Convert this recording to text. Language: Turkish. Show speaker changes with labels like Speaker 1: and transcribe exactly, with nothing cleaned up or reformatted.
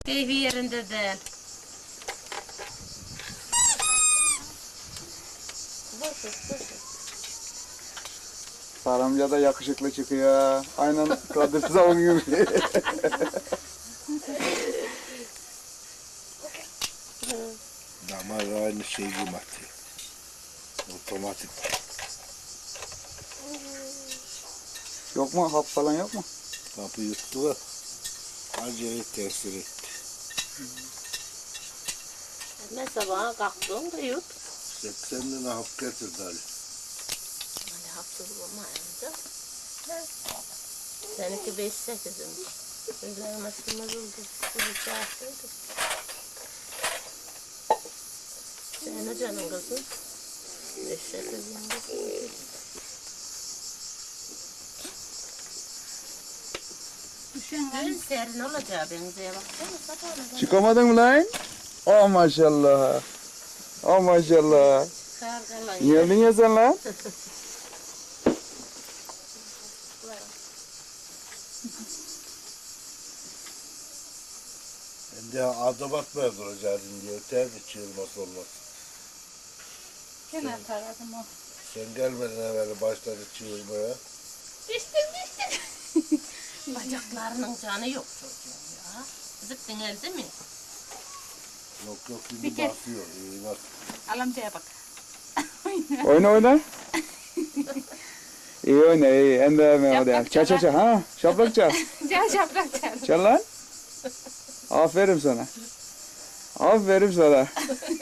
Speaker 1: Keyfi yerinde de.
Speaker 2: Saramca da yakışıklı çıkıyor. Aynen Kadir Savun gibi.
Speaker 3: Damar aynı şey gibi atıyor. Otomatik.
Speaker 2: Yok mu? Hap falan yok mu?
Speaker 3: Kapı yuttu da acayip tesir etti.
Speaker 1: Ne sabaha kalktın da yut.
Speaker 3: seksen tane hap getirdi Ali.
Speaker 1: Hani hapsız olmayınca. Seninki beş sekizim. Gözlerim açılmaz oldu. Sizi çağırsaydım. Senin o canın kızım. Beş sekizim. Dün serin olacağı benziyor. Baksana sabahına.
Speaker 2: Çıkamadın mı lan? Oh maşallah. Oh maşallah.
Speaker 1: Kargalan
Speaker 2: Geldin ya sen lan.
Speaker 3: Ben de adım atmaya duracaktım diye. Öterdi çığırması olmaz.
Speaker 4: Kenar taradım o.
Speaker 3: Sen gelmeden evvel başladı çığırmaya.
Speaker 1: Düştüm düştüm. Bacaklarının canı yok çocuğum ya. Zıktın elde mi?
Speaker 3: Yok yok şimdi
Speaker 4: Bir kez.
Speaker 3: basıyor. İyi bak.
Speaker 4: Al amcaya bak.
Speaker 2: Oyna oyna. İyi oyna iyi. En de mi oraya. Çal çal çal. Ha, şaplak çal.
Speaker 4: Gel şaprak çal.
Speaker 2: Çal lan. Aferin sana. Aferin sana.